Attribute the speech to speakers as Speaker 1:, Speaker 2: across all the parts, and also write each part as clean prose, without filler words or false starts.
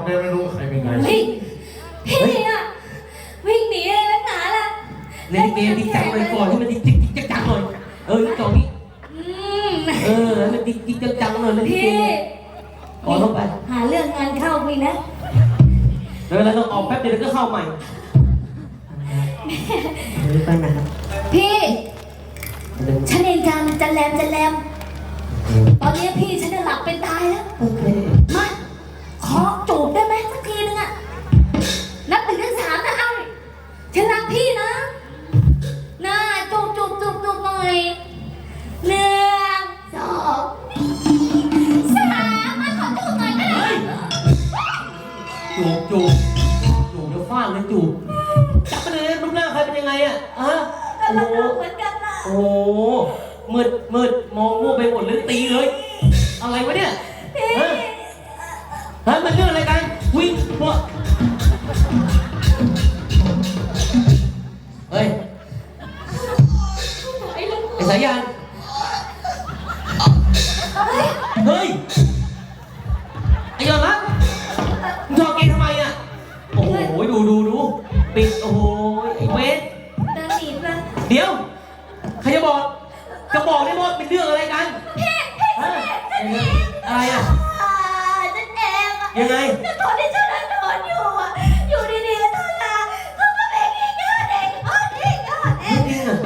Speaker 1: เนี่ยไม่รู้ใครเป็นไง
Speaker 2: เฮ้ยพี่อะวิ่งหนีเลยนักหนาล่ะ
Speaker 3: เล่นเกมที่จังเลยก่อนที่มันจิ๊กจังหน่อยตรงนี้มันจิ๊กจังหน่อยเล่นเก
Speaker 2: พี่
Speaker 3: มก่อนลงไป
Speaker 2: หาเรื่องงานเข้าพี่นะ
Speaker 3: แล้วต้องออกแป๊บเดียวก็เข้าใหม่ไปนะครับ
Speaker 2: พี่ฉันเองจันแรมตอนนี้พี่ฉันจะหลับเป็นตายแล้ว
Speaker 3: โอเค
Speaker 2: มาขอจูบได้ไหมสักทีนึงอะนับถึงถึง3นะเอาฉันรักพี่นะน่าจูบหน่อย1 2 3มาขอจูบหน่อยก็ได้
Speaker 3: จูบเดี๋ยวฟาดเลยจูบจับไปเลยรูปหน้าใครเป็นยังไงอ่ะ
Speaker 2: ก็รักเหมือนกันนะ
Speaker 3: โอ้มืดมองมั่วไปหมดเลยตีเลยอะไรวะเนี่ยมันเรื่องอะไรกันวิ่งพวกเฮ้ยไอ้สายยานเฮ้ยไอ้ยอดรักมึงจอเกงทำไมอ่ะโอ้โหดูปิดโอ้โหไอ้เวท
Speaker 2: เดินหนีมา
Speaker 3: เดี๋ยวใครจะบอกได้หมดเป็นเรื่องอะไรกันอะไรอ่ะ
Speaker 2: นั่นเองอะ
Speaker 3: ยังไง
Speaker 2: แล้วตอนที่ฉันนอนอยู่ดีๆท่านลาเขาก็ไปกินยาเด็กนี่ยาเด็ก
Speaker 3: จริงอ่ะ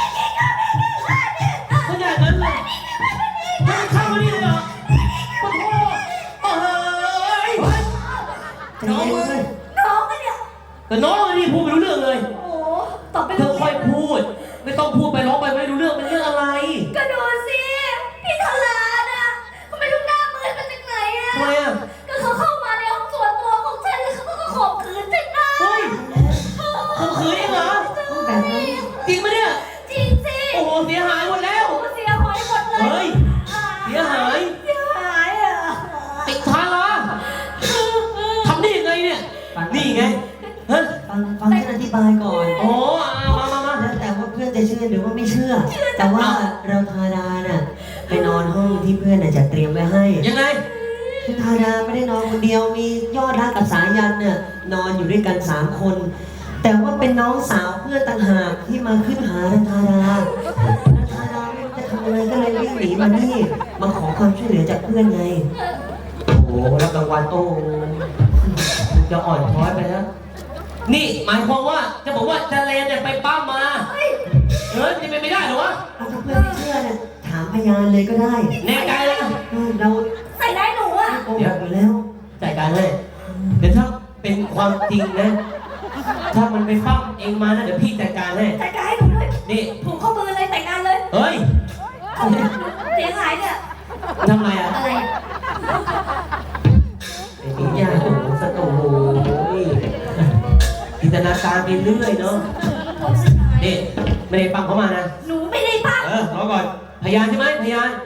Speaker 3: ขนาดนั้นเลยมันเข้ามานี่เลยเหรอโอ้โหน้องมึง
Speaker 2: น้องกันเนี่ย
Speaker 3: แต่น้องนี่พูดไม่รู้เรื่องเลย
Speaker 2: โอ้ตอบไป
Speaker 3: เธอค่อยพูดไม่ต้องพูดไปร้องไปไม่รู้เรื่องเป็นเรื่องอะไร
Speaker 2: ก็ดูสิพี่ทลาน่ะเขาไม่รู้หน้ามืดมาจากไหนอะ
Speaker 3: ทำไมอ่ะ
Speaker 2: ก็เขาเข้ามาในห้องส่วนตัวของฉันแล้วเขาก็ข่มขืนฉันนะ
Speaker 3: เฮ้ยข่มขืนเองเหรอจริงปะเนี่ย
Speaker 2: จริงสิ
Speaker 3: โอ้โหเสียหายหมดแล้ว
Speaker 2: เสียหายหมดเลย
Speaker 3: เฮ้ยเสียหาย
Speaker 2: อ่ะ
Speaker 3: ติดทางละทำได้ยังไงเนี่ยนี่ไงฮะ
Speaker 4: ฟังฉันอธิบายก่อน
Speaker 3: โอ้มา
Speaker 4: แล้วแต่ว่าเพื่อนจะเชื่อหรือว่าไม่เชื่อ แต่ว่าเราธาดาน่ะไปนอนห้องที่เพื่อนน่ะจะเตรียมไว้ให้
Speaker 3: ยังไง
Speaker 4: คือธาดาไม่ได้นอนคนเดียวมียอดรักกับสายันน่ะนอนอยู่ด้วยกัน3 คน แต่ว่าเป็นน้องสาวเพื่อนต่างหากที่มาขึ้นหาธาดาธาดาไม่รู้จะทำอะไรก็เลยวิ่งหนีมานี่มาขอความช่วยเหลือจากเพื่อนไง
Speaker 3: โอ้โหรับรางวัลโอ้จะอ่อนช้อยไปแล้วนี่หมายความว่าจะบอกว่าจะเลนเนี่ยไปปั้มมาจะเป็นไม่ได้เหรอวะ
Speaker 4: เอาถ้าเพื่อนไม่เชื่อเนี่ยถามพยานเลยก็ได้
Speaker 3: แน่ใจเลยนะ
Speaker 4: เรา
Speaker 2: ใส่ได้หนูอ่ะ
Speaker 4: โกหกอยู่แล้ว
Speaker 3: จัดการให้เดี๋ยวถ้าเป็นความจริงนะถ้ามันไปปั้มเองมานะเดี๋ยวพี่จัดการให้
Speaker 2: แต่งงานให้หนูด้วย
Speaker 3: นี่
Speaker 2: ผูกข้อมือเลยแต่งงานเลย
Speaker 3: เฮ้ย
Speaker 2: เสียหายเนี่ย
Speaker 3: ทำไมอ่ะ
Speaker 2: อะไร
Speaker 3: ไอ้นี่ยากโอ้โหสตูจินตนาการไปเรื่อยเนาะนี่ไม่ได้ฟังเขามานะ
Speaker 2: หนูไม่ได้พัก
Speaker 3: รอก่อนพยานใช่ไหมพยาน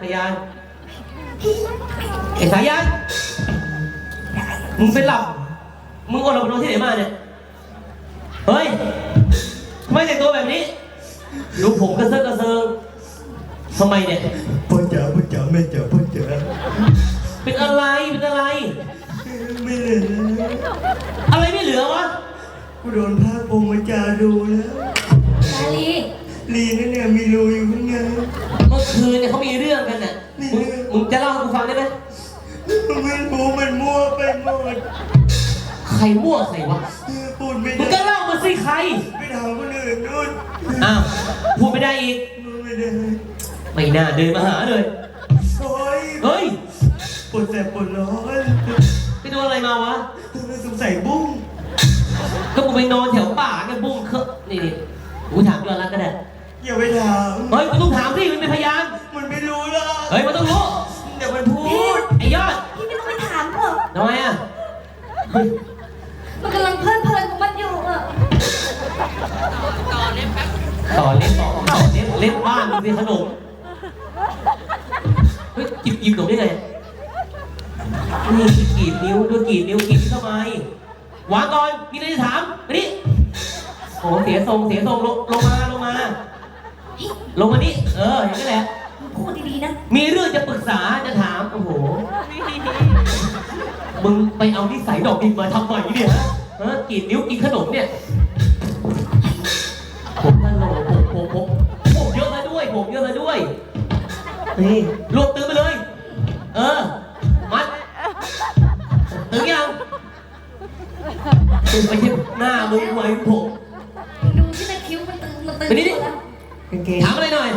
Speaker 3: ไอ้สายันมึงเป็นหลับมึงอดหลับนอนที่ไหนมาเนี่ยเฮ้ยทำไมแต่งตัวแบบนี้ดูผมกระเซิงทำไมเนี่ย
Speaker 1: พ่อจ๋าแม่จ๋าพ่อจ๋า
Speaker 3: เป็นอะไร
Speaker 1: ไม่เหลือ
Speaker 3: อะไรไม่เหลือวะ
Speaker 1: กูโดนพาพงมาจาดูแล้ว
Speaker 2: นาลี
Speaker 1: ลีนั่นเนี่ยมีรูอยู่ข้างใน
Speaker 3: เมื่อคืนเนี่ยเขามีเรื่องกันน่ะมึงจะเล่าให้กูฟังได้ไหม
Speaker 1: ไม่รู้มันมั่วไปหมด
Speaker 3: ใครมั่วใครวะ
Speaker 1: พูดไม่
Speaker 3: มึง
Speaker 1: ได้
Speaker 3: ก็เล่ามาสิใคร
Speaker 1: ไปถามคนอื่นนู่น
Speaker 3: อ้าวพูดไม่ได้อีก
Speaker 1: ไม่ได้
Speaker 3: ไม่น่าเดินมาหาเลย
Speaker 1: โอ้ย
Speaker 3: เฮ้ย
Speaker 1: ปวดแสบปวดร้อน
Speaker 3: ไปโดนอะไรมาวะ
Speaker 1: สงสัยบุ้ง
Speaker 3: ก็กูไปนอนแถวป่ากันบุ้งเคอะนี่กูถามย้อนรักก็ได้
Speaker 1: อย่าไปถาม
Speaker 3: เฮ้ยกูต้องถามสิมันเป็นพยาน
Speaker 1: มันไม่รู้หรอก
Speaker 3: เฮ้ยมันต้องรู้
Speaker 1: เดี๋ยวมันพูด
Speaker 3: ไอ้ยอด
Speaker 2: พี่ไม่ต้องไปถามหรอก
Speaker 3: ทำไมอ่ะ
Speaker 2: มันกำลังเพลิดเพลินของมันอยู่อ่ะ
Speaker 3: ต่อเล่นบ้านมึงสิขนมเฮ้ยหยิบขนมได้ไงนี่กรีดนิ้วด้วยกรีดทำไมวางก่อนมีอะไรจะถามมาดิโอ้เสียทรงลงมานี่อย่างนี้แหละ
Speaker 2: พูดดีๆนะ
Speaker 3: มีเรื่องจะปรึกษาจะถามโอ้โหมึงไปเอานิสัยดอกดินมาทำไมเนี่ยฮะกินนิ้วกินขนมเนี่ยผมท่านโหลผมเยอะมาด้วยผมเยอะมาด้วย
Speaker 4: เฮ้ย
Speaker 3: รวบตึงไปเลย มัดตึงยังตึงไปที่หน้ามึงไว้ผม
Speaker 2: ดูที่ตะคิ้วมันตึงมันตึง
Speaker 3: ไปนี่ดิ
Speaker 2: แล้ว
Speaker 4: กางเกง
Speaker 3: ถามอะไรหน่อย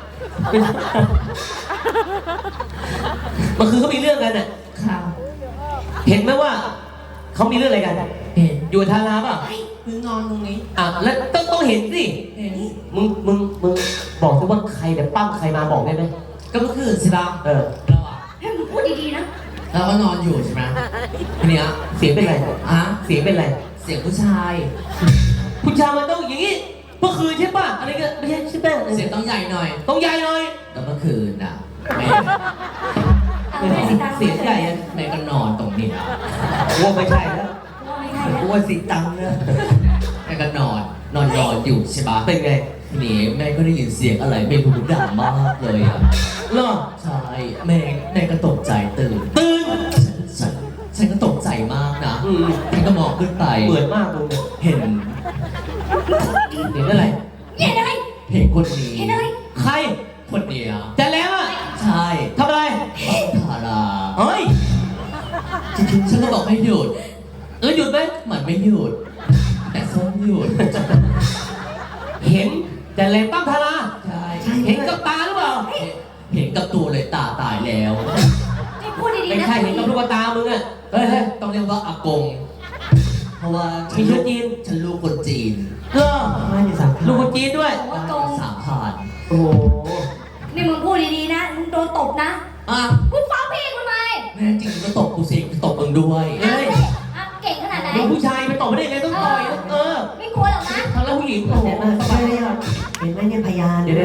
Speaker 3: เมื่อคืนเขามีเรื่องกันน่ะ
Speaker 2: ข่าว
Speaker 3: เห็นไหมว่าเขามีเรื่องอะไรกัน
Speaker 2: เห็น
Speaker 3: อยู่ทาราป่ะ
Speaker 2: คือนอนตรงนี้
Speaker 3: แล้วต้องเห็นสิ
Speaker 2: เห็น
Speaker 3: มึงบอกสิว่าใครเนี่ยปั้มใครมาบอกได้ไหม
Speaker 5: ก็เมื่อคืนใช่ปะ
Speaker 3: เราอะ
Speaker 2: ให้มึงพูดดีๆนะ
Speaker 5: เราก็นอนอยู่ใช่ไหมทีเนี้ย
Speaker 3: เสียงเป็นไร
Speaker 5: อ่ะ
Speaker 3: เสียงเป็นไร
Speaker 5: เสียงผู้ชาย
Speaker 3: ผู้ชายมันต้องอย่างนี้เมื่อคืนใช่ป่ะอะไรกันไม่ใช่ใช่ป่ะ
Speaker 5: เสียงต้องใหญ่หน่อย
Speaker 3: ต้องใหญ่หน่อย
Speaker 5: ก็เมื่อคืนน่ะแม่
Speaker 2: เอาแม่สีตาง
Speaker 5: เสียงใหญ่อะแม่ก็นอนตรงนี้
Speaker 3: กูว่าไม่ใช่แล้ว
Speaker 2: ว่าไม่ใช่แล้ว
Speaker 1: กูว่าสีตังค์นะ
Speaker 5: แม่ก็นอนอยู่ใช่ปะ
Speaker 3: เป็นไง
Speaker 5: ทีนี้แม่ก็ได้ยินเสียงอะไรไม่รู้ดังมากเลยอ่ะ
Speaker 3: เหรอ
Speaker 5: ใช่แม่ก็ตกใจตื่น
Speaker 3: ตื่น
Speaker 5: ฉันก็ตกใจมากนะ
Speaker 3: อืม
Speaker 5: ฉันก็มองขึ้นไป
Speaker 3: เหมือนมากมึงเนี่ย
Speaker 5: เห็น
Speaker 3: เห็นอะไร
Speaker 2: เห็นอะไร
Speaker 5: เห็นคนนี้
Speaker 2: เห็นอะไร
Speaker 3: ใคร
Speaker 5: คนเนี้ย
Speaker 3: จะแล้วอ่ะ
Speaker 5: ใช่
Speaker 3: ทำอะไร
Speaker 5: ทารา
Speaker 3: เฮ้ย
Speaker 5: ฉันก็บอกให้หยุด
Speaker 3: หยุดไหม
Speaker 5: มันไม่หยุด แต่ส้มหยุด
Speaker 3: เห็นแต่แรงปั้มทารา
Speaker 5: ใช่
Speaker 3: เห็นกับตาหรือเปล่า
Speaker 5: เห็นกับตัวเลยตายแล้ว
Speaker 2: ให้พูดดี
Speaker 3: ไม่
Speaker 2: ๆนะ
Speaker 3: ใช่เห็นกับลูกตามึงอ่ะเฮ้ย
Speaker 5: ต้องเรียกว่าอากง เพราะว่า
Speaker 3: มีเชื้อจีน
Speaker 5: ฉันลูกคนจีน
Speaker 3: เออ
Speaker 4: บ้านอยู่สาม
Speaker 3: ลูกคนจีนด้วย
Speaker 2: ว่าตรง
Speaker 5: 3,000
Speaker 3: โอ้โห
Speaker 2: นี่มึงพูดดีๆนะมึงโดนตบนะ
Speaker 5: อ่ะ
Speaker 2: กูฟ้องพี่กูไหม
Speaker 5: แน่จริงก็ตบกูสิตบมึงด้วย
Speaker 3: เฮ้ย
Speaker 2: เก่งขนาดไหน
Speaker 3: ลูกผู้ชายไปตบไม่ได้ไงต้องต่อย
Speaker 2: ไม่กลัวหรอกนะ
Speaker 3: ทางแล้วผู้หญิงโอ้โห
Speaker 4: เห็นไหมเห็นไหมเนี่ยพยาน
Speaker 3: เดี๋ยว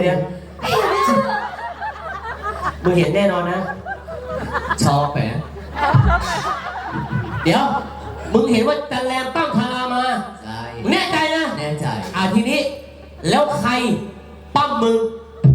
Speaker 3: มึงเห็นแน่นอนนะ
Speaker 5: ชอบไหม
Speaker 3: เดี๋ยว มึงเห็นว่าจันแรมปั้มทารามา
Speaker 5: ใช่
Speaker 3: มึงแน่ใจนะ
Speaker 5: แน่ใจ
Speaker 3: ทีนี้ แล้วใครปั้มมึง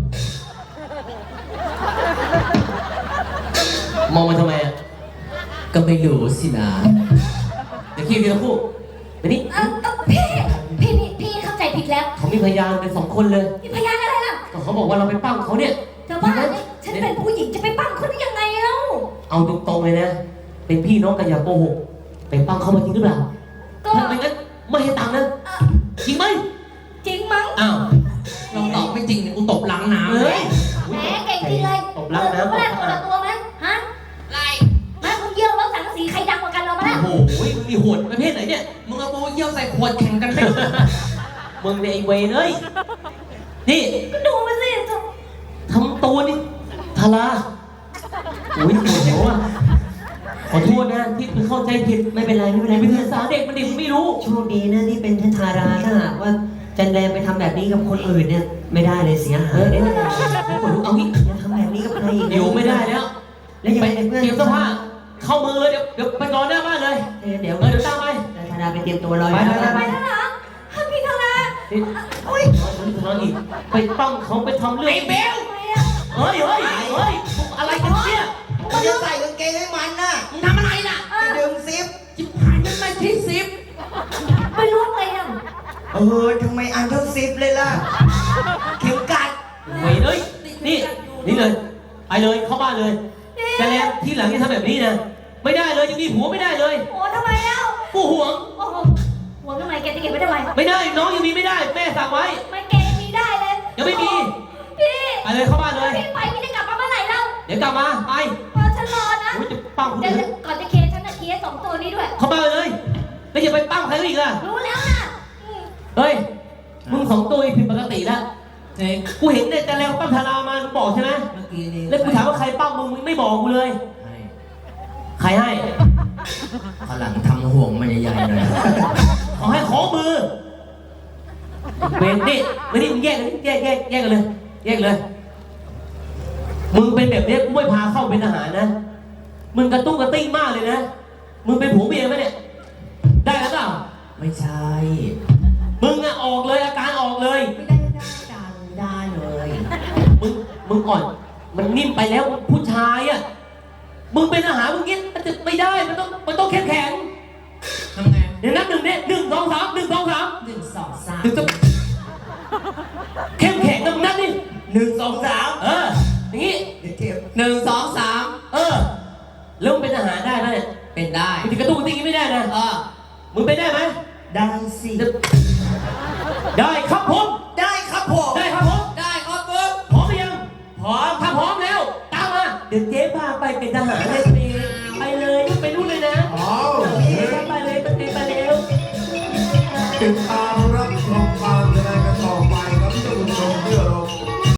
Speaker 3: มองมาทำไมอ่ะ
Speaker 5: ก็ไม่รู้สินะ
Speaker 3: เดี๋ยวคิดเดียวคู่เดี๋ยวนี้
Speaker 2: พี่เข้าใจผิดแล้ว
Speaker 3: เขามีพยานเป็น2 คนเลย
Speaker 2: มีพยานอะไรล่ะ
Speaker 3: ก็เขาบอกว่าเราไปปั้มเขาเนี่ย
Speaker 2: เธอบ้าเนี่ยฉันเป็นผู้หญิงจะไปปั้มเขาได้ยังไงเล่า
Speaker 3: เอาตรงๆเลยนะ เป็นพี่น้องกันอย่าโกหกไปปั้มเขามาจริงหรือเปล่า
Speaker 2: ก็
Speaker 3: ถ้าไม่งั้นไม่ให้ตังค์นะจริงไหม
Speaker 2: จริงมั้ง
Speaker 3: อ้าว
Speaker 5: ลองตอบไม่จริงเนี่ยกูตบล้างน้ำ
Speaker 3: เฮ้
Speaker 5: เลย ย
Speaker 2: แหมเก่งจริงเลย
Speaker 3: ตบล้างน้ำ
Speaker 2: เมื่อคนละตัวไหมฮะ
Speaker 5: ไร
Speaker 2: แม่มึงเยี่ยวแล้วสังกะสีใครดังกว่ากันเรามาแล้ว
Speaker 3: โอ้โหมึงมีโหดประเภทไหนเนี่ย
Speaker 5: มึงเอาปูเยี่ยวใส่ขวดแข่งกันไป
Speaker 3: มึงเนี่ยไอ้เวรเอ้ยนี่
Speaker 2: ก็ดูมาสิ
Speaker 3: ทำตัวนี่ทาราอุ้ยปวดหัวอ่ะขอโทษนะที่มึงเข้าใจผิด
Speaker 4: ไม่เป็นไรไม่เป็นไร
Speaker 3: เป็น
Speaker 4: เพื่อ
Speaker 3: ภาน ษาเด็กมันเด็กไม่รู้
Speaker 4: โชคดีนะที่เป็นท่านทาราถ้าหากว่าจันแรมไปทำแบบนี้กับคนอื่นเนี่ยไม่ได้เลยเสียหายเลยนะ
Speaker 3: เอางี้
Speaker 4: อย่าทำแบบนี้กับใครอีกนะ
Speaker 3: อยู่ไม่ได้แล้ว
Speaker 4: แล้วยัง
Speaker 3: ไป
Speaker 4: ไงเพื่อน
Speaker 3: เตรียมเสื้อผ้าเข้ามือเลยเดี๋ยวไปนอนหน้าบ้านเลย
Speaker 4: เดี๋ยว
Speaker 3: เดี๋ยวตามไป
Speaker 4: ทาราไปเตรียมตัวรอ
Speaker 3: ไป
Speaker 4: อยู่
Speaker 3: ไป
Speaker 4: นะ
Speaker 2: ไปแล้วเหรอพี่ทารา
Speaker 3: นี่นอนอีกไปปั้มเขาไปทำเรื่องไอ้เบล
Speaker 2: ทำไมอ่ะ
Speaker 3: เฮ้ยอะไรกันเนี่ย
Speaker 1: กูจะใส่กางเกงให้มันน่ะ
Speaker 5: มึงทำอะไรล่ะ
Speaker 1: จะดึงซิป
Speaker 5: จิบหายมันไม่ที่ซิป
Speaker 2: ไม่รู้อะไรอ่ะ
Speaker 1: ทำไมอันเท่าซิปเลยล่ะ เข็มกัด
Speaker 3: เว้ยเลยนี่เลยไปเลยเข้าบ้านเลยแต่แล้วที่หลังจะทำแบบนี้นะไม่ได้เลยยังมีผัวไม่ได้เลย
Speaker 2: โอ้ทำไมเล่า
Speaker 3: กูห่วง
Speaker 2: โอ้โหหัวทำไมแกจะเก็บไว้ทำไม
Speaker 3: ไม่ได้น้องยังมีไม่ได้แม่สั่งไว้
Speaker 2: ไม่แกยังมีได้เลย
Speaker 3: ยังไม่มี
Speaker 2: พี่
Speaker 3: ไปเลยเข้าบ้านเลย
Speaker 2: พี่ไปพี่จะกลับมาเมื่อไหร่เล่า
Speaker 3: เดี๋ยวกลับมาไป
Speaker 2: ฉันรอนะ
Speaker 3: โอ้ยจะปั้มคน
Speaker 2: เดี๋ยว
Speaker 3: อื่น
Speaker 2: ก่อนจะเคฉันจะเคส2ตัวนี้ด้วย
Speaker 3: เข้าบ้านเลยแล้วอย่าไปปั้มใครอีกล่ะ
Speaker 2: รู้แล้วนะ
Speaker 3: เฮ้ยมึง2 ตัวผิดปกติแล้ว
Speaker 5: เฮ้ย
Speaker 3: กูเห็นเนี่ยแต่แล้วปั้มทารามามึงบอกใช่ไหม
Speaker 5: เมื่อกี้นี้
Speaker 3: แล้วกูถามว่าใครปั้มมึงไม่บอกกูเลย ใครให้
Speaker 5: ข้างหลังทำห่วงมันใหญ่ๆหน่อย
Speaker 3: ขอให้ขอมือเบนนี่มานี่มึงแยกกันแยกกันเลยแยกเลยมึงเป็นแบบนี้กูไม่พาเข้าเป็นทหารนะมึงกระตุ้งกระติ้งมากเลยนะมึงเป็นผัวเมียไหมเนี่ยได้แล้วเปล่า
Speaker 5: ไม่ใช่
Speaker 3: มึงอะออกเลยอาการออกเลย
Speaker 5: ไม่ได้เลย
Speaker 3: มึงอ่อนมันนิ่มไปแล้วผู้ชายอะมึงเป็นทหารมึงเงี้ยมันจะไม่ได้มันต้องเข้มแข็ง
Speaker 5: ทำไง
Speaker 3: เดี๋ยวนับหนึ่งเนี่ย1 2 3 1 2 3
Speaker 5: 1 2 3
Speaker 3: ถึงจะเข้มแข็งนะมึงนับดิ
Speaker 1: 1 2 3
Speaker 3: อย่างงี้
Speaker 1: เดี๋ยวเก็บ
Speaker 5: 1 2 3
Speaker 3: แล้วมึงเป็นทหารได้ไหมเนี่ย
Speaker 5: เป็นได้
Speaker 3: มึงจะกระตุ้นติ้งไม่ได้นะมึงเป็นได้ไหม
Speaker 1: ได้สิ
Speaker 3: ได้ครับผม
Speaker 1: ได้ครับผม
Speaker 3: ได้ครับผม
Speaker 5: ได้ครับมึง
Speaker 3: พร้อมหรือยัง
Speaker 1: พร้อม
Speaker 3: ถ้าพร้อมแล้วตามมาเดี๋ยวเจ๊พาไปเป็นทหารเลย